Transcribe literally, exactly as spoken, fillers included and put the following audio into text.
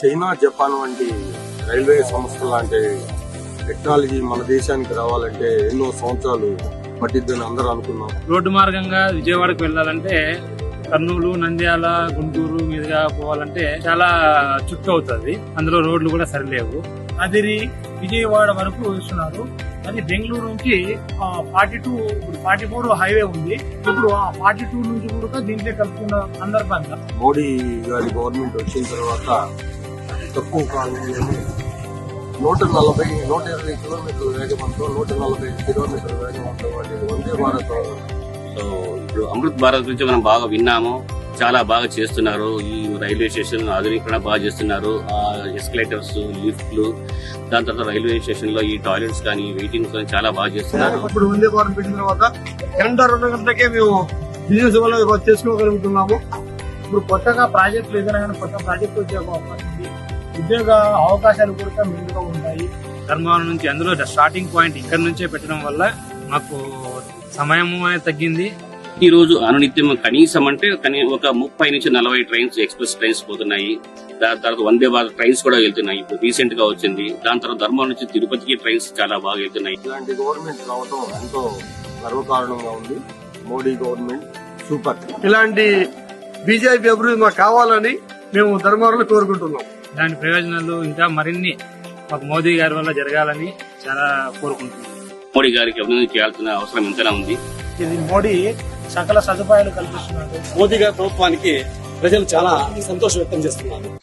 China, Japan వంటి railway సంస్థ లాంటి టెక్నాలజీ మన దేశానికి రావాలంటే ఎన్నో సంవత్సరాలు పట్టిద్దని అందరూ అనుకున్నాం. రోడ్డు మార్గంగా విజయవాడకు వెళ్ళాలంటే కర్నూలు, నంద్యాల, గుంటూరు మీదుగా పోవాలంటే చాలా చుట్టూ అవుతుంది. అందులో రోడ్లు కూడా సరిలేవు. అదిరి విజయవాడ వరకు ఇస్తున్నారు. అది బెంగళూరు నుంచి forty two forty four highway ఉంది. ఇప్పుడు ఆ ఫార్టీ టూ నుంచి కూడా దీంట్లో కలుపుకున్న సందర్భంగా మోడీ గారి గవర్నమెంట్ వచ్చిన తర్వాత తక్కువ కాలంలోనే నూట నలభై నూట ఇరవై కిలోమీటర్ల వేగంతో నూట నలభై కిలోమీటర్ల వేగంతో వందే భారత్. సో ఇప్పుడు అమృత్ భారత్ గురించి మనం బాగా విన్నాము. చాలా బాగా చేస్తున్నారు. ఈ రైల్వే స్టేషన్ ఆధునీకరణ బాగా చేస్తున్నారు. ఎస్కలేటర్స్, లిఫ్ట్లు, దాని తర్వాత రైల్వే స్టేషన్ లో ఈ టాయిలెట్స్ కానీ, వెయిటింగ్ కానీ చాలా బాగా చేస్తున్నారు. ఇప్పుడు వందే భారత్ పెట్టిన తర్వాత గంట రెండు గంటలకే మేము బిజినెస్ వల్ల చేసుకోగలుగుతున్నాము. ఇప్పుడు కొత్తగా ప్రాజెక్టులు ఏదైనా కానీ కొత్త ప్రాజెక్టు వచ్చే అవకాశం ఉంది. ఉద్యోగ అవకాశాలు కూడా మెండుగా ఉంటాయి. ధర్మవరం నుంచి అందులో స్టార్టింగ్ పాయింట్ ఇక్కడ నుంచే పెట్టడం వల్ల మాకు సమయం అనేది తగ్గింది. ఈ రోజు అనునిత్యం కనీసం అంటే ఒక ముప్పై నుంచి నలభై ట్రైన్స్, ఎక్స్ప్రెస్ ట్రైన్స్ పోతున్నాయి. దాని తర్వాత వందే భారత్ ట్రైన్స్ కూడా వెళ్తున్నాయి. ఇప్పుడు రీసెంట్ గా వచ్చింది. దాని తర్వాత ధర్మవరం నుంచి తిరుపతికి ట్రైన్స్ చాలా బాగా వెళ్తున్నాయి. ఇలాంటి గవర్నమెంట్ రావడం ఎంతో గర్వకారణంగా ఉంది. Modi government super. ఇలాంటి బీజేపీ అభివృద్ధి మాకు కావాలని మేము ధర్మవరంలో కోరుకుంటున్నాం. దాని ప్రయోజనాలు ఇంకా మరిన్ని మాకు మోదీ గారి వల్ల జరగాలని చాలా కోరుకుంటున్నాం. మోడీ గారికి అభివృద్ధి చేయాల్సిన అవసరం ఎంతైనా ఉంది. ఇది మోడీ సకల సదుపాయాలు కల్పిస్తున్నారు. మోదీ గారి ప్రభుత్వానికి ప్రజలు చాలా సంతోషం వ్యక్తం చేస్తున్నారు.